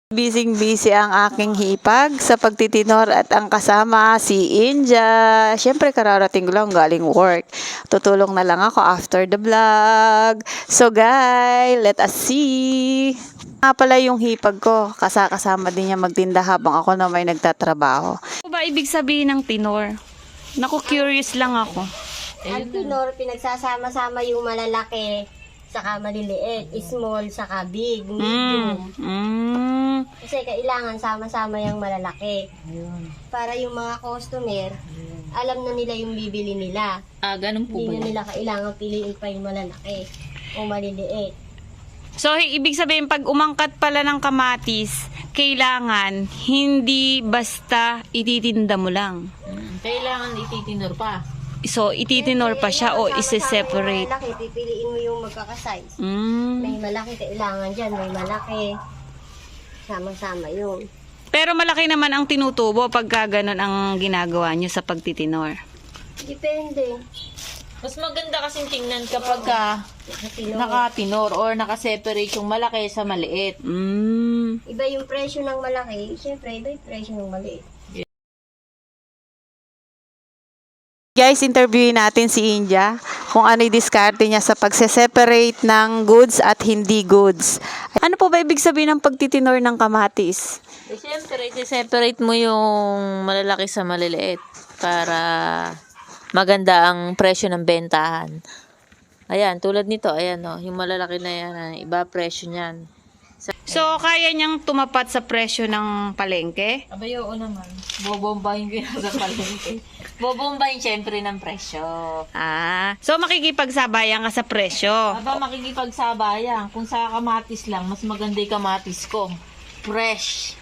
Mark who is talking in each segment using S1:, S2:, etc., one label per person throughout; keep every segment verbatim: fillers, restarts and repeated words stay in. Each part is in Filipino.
S1: Bising-busy ang aking hipag sa pagtitinor at ang kasama si Inja. Siyempre kararating ko lang galing work. Tutulong na lang ako after the vlog. So guys, let us see. Nga pala yung hipag ko. Kasakasama din niya magtinda habang ako na may nagtatrabaho. Ano ba ibig sabihin ng tinor? Naku, curious lang ako.
S2: Ang tinor, pinagsasama-sama yung malalaki saka maliliit, small saka big, medium.
S1: Mm. Mm.
S2: Kasi kailangan sama-sama yung malalaki. Para yung mga customer, alam na nila yung bibili nila.
S3: Ah, ganun po
S2: Hindi
S3: ba
S2: na
S3: yan?
S2: nila kailangan piliin pa yung malalaki o maliliit.
S1: So, ibig sabihin, pag umangkat pala ng kamatis, kailangan hindi basta ititinda mo lang.
S3: Kailangan ititinor pa.
S1: So, ititinor pa siya o isi-separate.
S2: Yung malaki, pipiliin mo yung magkakasize.
S1: Mm.
S2: May malaki kailangan dyan, may malaki. Sama-sama yun.
S1: Pero malaki naman ang tinutubo pagka ganun ang ginagawa nyo sa pagtitinor.
S2: Depende.
S3: Mas maganda kasing tingnan kapag ka
S2: Sa tinor.
S3: nakatinor or nakaseparate yung malaki sa maliit.
S1: Mm.
S2: Iba yung presyo ng malaki, syempre iba yung presyo ng maliit.
S1: Guys, interviewin natin si Inja kung ano yung diskarte niya sa pagse-separate ng goods at hindi goods. Ano po ba ibig sabihin ng pagtitinor ng kamatis?
S3: Eh, siyempre, separate mo yung malalaki sa maliliit para maganda ang presyo ng bentahan. Ayan, tulad nito, ayan o, yung malalaki na yan, ah, iba presyo niyan.
S1: So, kaya niyang tumapat sa presyo ng palengke?
S3: Abay, oo naman. Bobombahin ko yan sa palengke. Bobombahin siyempre ng presyo.
S1: Ah, so makikipagsabayan ka sa presyo.
S3: Aba, makikipagsabayan. Kung sa kamatis lang, mas maganda yung kamatis ko. Fresh.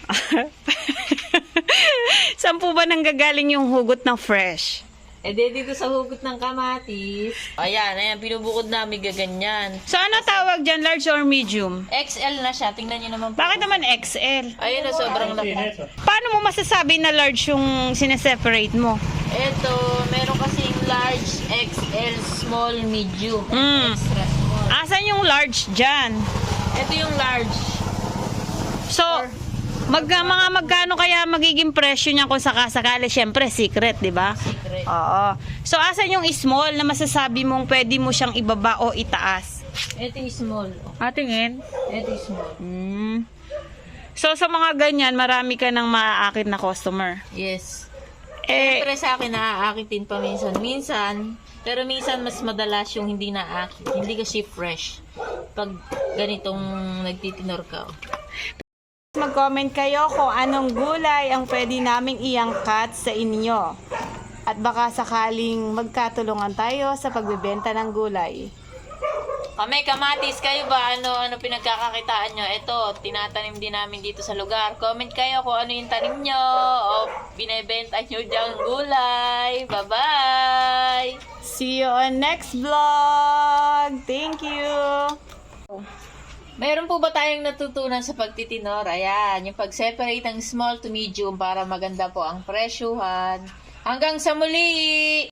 S1: Saan po ba nanggagaling yung hugot ng fresh?
S3: Eh, di dito sa hugot ng kamatis. Ayan, ayan, binubukod namin gaganyan.
S1: So, ano tawag dyan? Large or medium?
S3: X L na siya. Tingnan nyo naman po.
S1: Bakit naman X L?
S3: Ayun na, sobrang laki.
S1: Paano mo masasabi na large yung sineseparate mo?
S3: Ito, meron kasing large, X L, small, medium,
S1: Mm.
S3: extra small.
S1: Asan yung large dyan?
S3: Ito yung large.
S1: So, mag, mga magkano kaya magiging presyo niya kung sakasakali? Siyempre, secret, di ba?
S3: Secret.
S1: Oo. So, asan yung small na masasabi mong pwede mo siyang ibaba o itaas?
S3: Ito yung small.
S1: Atingin.
S3: Ito yung small.
S1: Mm. So, sa mga ganyan, marami ka nang maaakit na customer.
S3: Yes.
S1: Eh,
S3: Siyempre sa akin, naaakitin pa minsan. Minsan, pero minsan mas madalas yung hindi naakit. Hindi kasi fresh. Pag ganitong nagtitinor ka.
S1: mag-comment kayo kung anong gulay ang pwede naming iangkat sa inyo. At baka sakaling magkatulungan tayo sa pagbebenta ng gulay.
S3: Kami, kamatis, kayo ba? Ano, ano pinagkakakitaan nyo? Ito, tinatanim din namin dito sa lugar. Comment kayo kung ano yung tanim nyo o binibenta nyo diyang gulay. Bye-bye!
S1: See you on next vlog! Thank you!
S3: Mayroon po ba tayong natutunan sa pagtitinor? Ayan, yung pag-separate ng small to medium para maganda po ang presyuhan. Hanggang sa muli!